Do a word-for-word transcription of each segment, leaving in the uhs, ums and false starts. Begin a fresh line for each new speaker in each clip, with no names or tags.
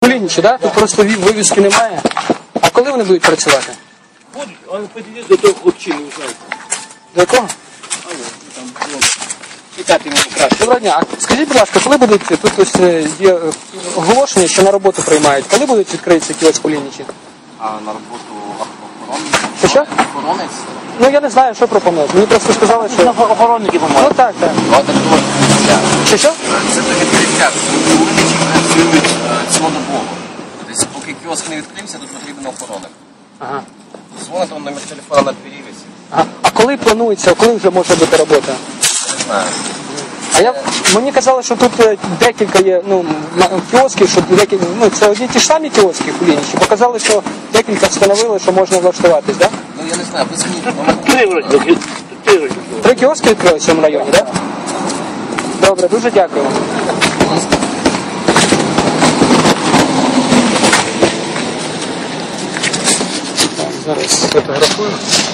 Кулінічі, так? Тут просто вивіски немає. А коли вони будуть працювати?
Будуть, але підійдіть до того хлопчини, ви знаєте.
До якого?
Але, там, вон. Читати мені краще.
Доброго дня. А скажіть, будь ласка, коли будуть, тут ось е, є е, оголошення, що на роботу приймають, коли будуть відкритися кіоск Кулінічі?
А на роботу охоронець?
Що що?
Охоронець?
Ну я не знаю, що пропонують. Мені просто сказали, що...
Охоронники
Ну
помагають.
так, так.
Ну, це ж відкриття.
Що що?
Це до відкриття. Кулінічі працюють е, цілодобово. Тобто, поки кіоск не відкрився, тут потрібен охоронник.
Ага.
Дзвонить, он номер телефона на двері висить.
Ага. А коли планується, коли вже може бути робота?
Не знаю.
А я, мені казали, що тут е, декілька є ну, м- кіосків, що декілька, ну, це одні ті ж самі кіоски Кулінічі. Показали, що декілька встановили, що можна влаштуватись, так? Да?
Ну, я не знаю, позвоніть. Номер
Три вроді, тут три вроді.
Три кіоски відкрили в цьому районі, так? Да? Добре, дуже дякую. Так, зараз фотографую.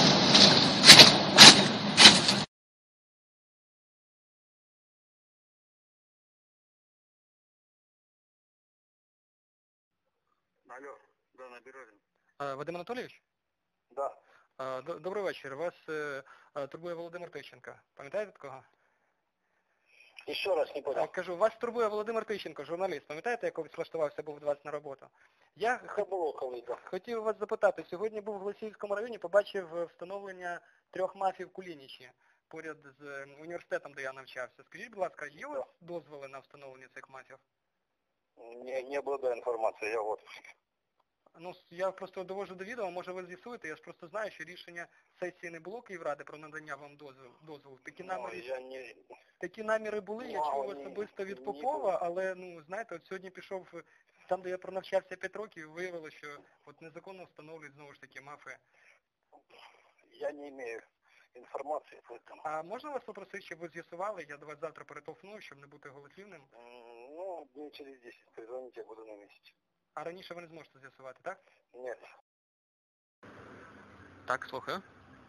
Алло, да, на Березин.
Вадим Анатолійович?
Да.
Е, д- Добрий вечір. Вас е, е, турбує Володимир Тищенко. Пам'ятаєте такого?
Еще раз не
Е,
понял.
Кажу, вас турбує Володимир Тищенко, журналіст. Пам'ятаєте, як влаштувався був до вас на роботу? Я
Это
хот-
было колись.
хотів вас запитати. Сьогодні був в Голосіївському районі, побачив е, встановлення трьох мафів Кулінічі поряд з е, університетом, де я навчався. Скажіть, будь ласка, є у вас дозволи на встановлення цих мафів?
Не, не обладаю информацией, я вот.
Ну, я просто довожу до відома, може ви з'ясуєте, я ж просто знаю, що рішення сесії не було Київради про надання вам дозволу. дозволу. Такі
Ну,
наміри,
я не...
такі наміри були, я
Мало,
чув
ні,
особисто від
ні,
Попова, але, ну, знаєте, от сьогодні пішов, там, де я пронавчався п'ять років, виявилося, що от незаконно встановлюють, знову ж таки, мафи.
Я не имею информации по этому.
А можна вас попросити, щоб ви з'ясували, я до вас завтра перетолкну, щоб не бути голослівним,
М, Ну, дней через десять позвоните, я буду на месте.
а раніше ви не зможете з'ясувати, так?
Нет.
Так, слухаю.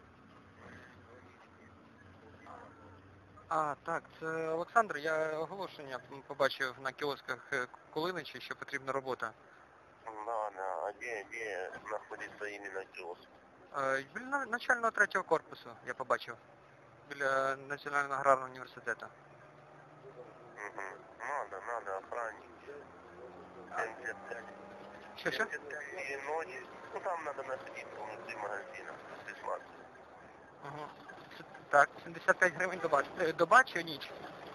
А, так, це Олександр, я оголошення побачив на кіосках е, Кулиничі, що потрібна робота.
Да, да. А где, где находится именно киоск?
Е, Біля начального третього корпусу я побачив. Біля Національного аграрного університету.
Угу. Надо, надо, охранник. семьдесят пять.
Що, що?
семьдесят пять и ночь. Ну, там надо находиться внутри магазина. Присматривать.
Ага. Це- Так, сімдесят п'ять гривень доба. Е, Доба чи ніч?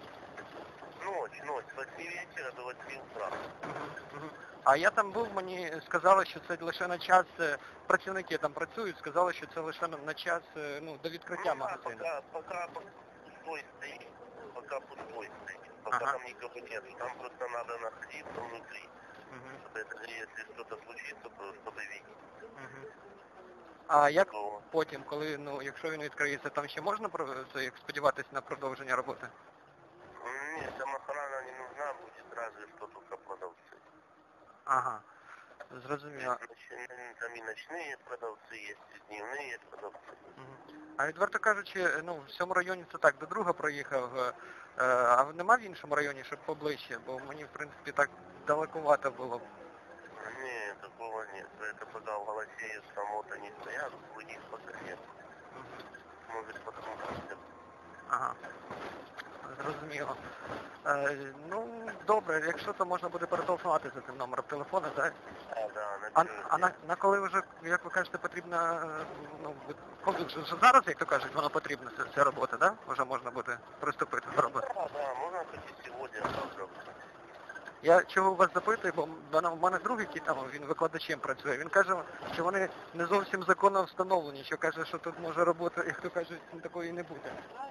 Ночь, ночь. С восьми вечера до восьми утра.
Мгм. А я там був, мені сказали, що це лише на час, е, працівники там працюють, сказали, що це лише на- на час, е, ну, до відкриття
Ну, да,
магазину.
пока, пока пустой стоит, пока пустой стоит, пока
Ага.
там никого нет. Там просто надо находиться внутри,
Мгм.
чтобы это, если что-то случится, то чтобы видеть.
Мгм. А як
То,
потім, коли, ну, якщо він відкриється, там ще можна про- це, як сподіватися на продовження роботи?
нет, там охрана не нужна будет, разве что только продавцы.
Ага, зрозуміло.
Ночные- Там и ночные продавцы есть, и дневные продавцы.
Мгм. А відверто кажучи, ну, в цьому районі це так, до друга проїхав, е, е, а нема в іншому районі, щоб поближче, бо мені, в принципі, так далекувато було.
Нет, такого нет. Это пока в Голосеевском вот они стоят, у них пока нет. Может потом как-то.
Ага, зрозуміло. Е, ну, добре, якщо то можна буде перетелефонувати за цим номером телефону, так?
А, да,
А,
на
а на, на коли вже, як ви кажете, потрібна, е, ну, ви- коли вже, вже зараз, як то кажуть, воно потрібна, ця, ця робота, так? Вже можна буде приступити до роботи.
Да, да, можно хоть и сегодня, а завтра.
Я чого вас запитую, бо в мене- в мене друг, який там, він викладачем працює, він каже, що вони не зовсім законно встановлені, що каже, що тут може робота, як то кажуть, такої не буде.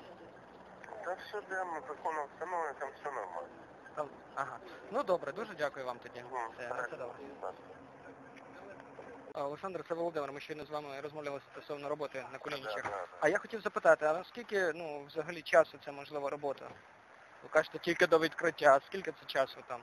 Да все прямо законом установлено, там все нормально.
Там, ага. Ну добре, дуже дякую вам тоді.
Ну,
Все, на все добре.
так.
А, Олександр, це Володимир, ми щойно з вами розмовляли стосовно роботи на Кулінічах.
Да, да, да.
А я хотів запитати, а наскільки, ну, взагалі часу це можлива робота? Ви кажете, тільки до відкриття, а скільки це часу там?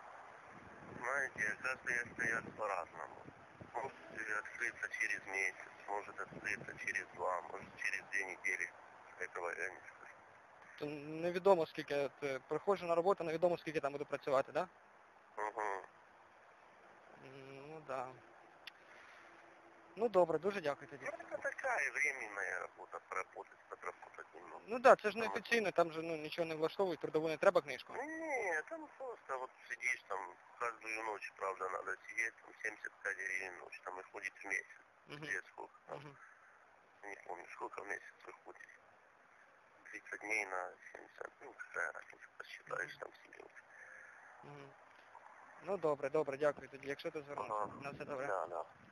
Знаете, каждый стоят по-разному. Может открыться через месяц, может открыться через два, может через две недели. Этого я не скажу.
То невідомо скільки, от, е, приходжу на роботу, невідомо скільки там буду працювати, так? Да?
Угу.
Да. Ну добре, дуже дякую тоді.
Ну, это такая временная работа, поработать, подработать немного.
Ну так, да, це ж не офіційно, там же ну, нічого не влаштовують, трудову не треба книжку.
Ну, не, там просто вот сидишь там каждую ночь, правда, надо сидеть, там семьдесят пять гривен в ночь, там выходит в месяц.
Мгм.
Где сколько там,
Мгм.
не помню, сколько в месяц выходит. тридцать дней на семьдесят, ну, какая разница, посчитаешь там себе.
Мгм. Ну добре, добре, дякую тоді. Якщо ти звернувся.
Ага.
На все добре.
Да, да.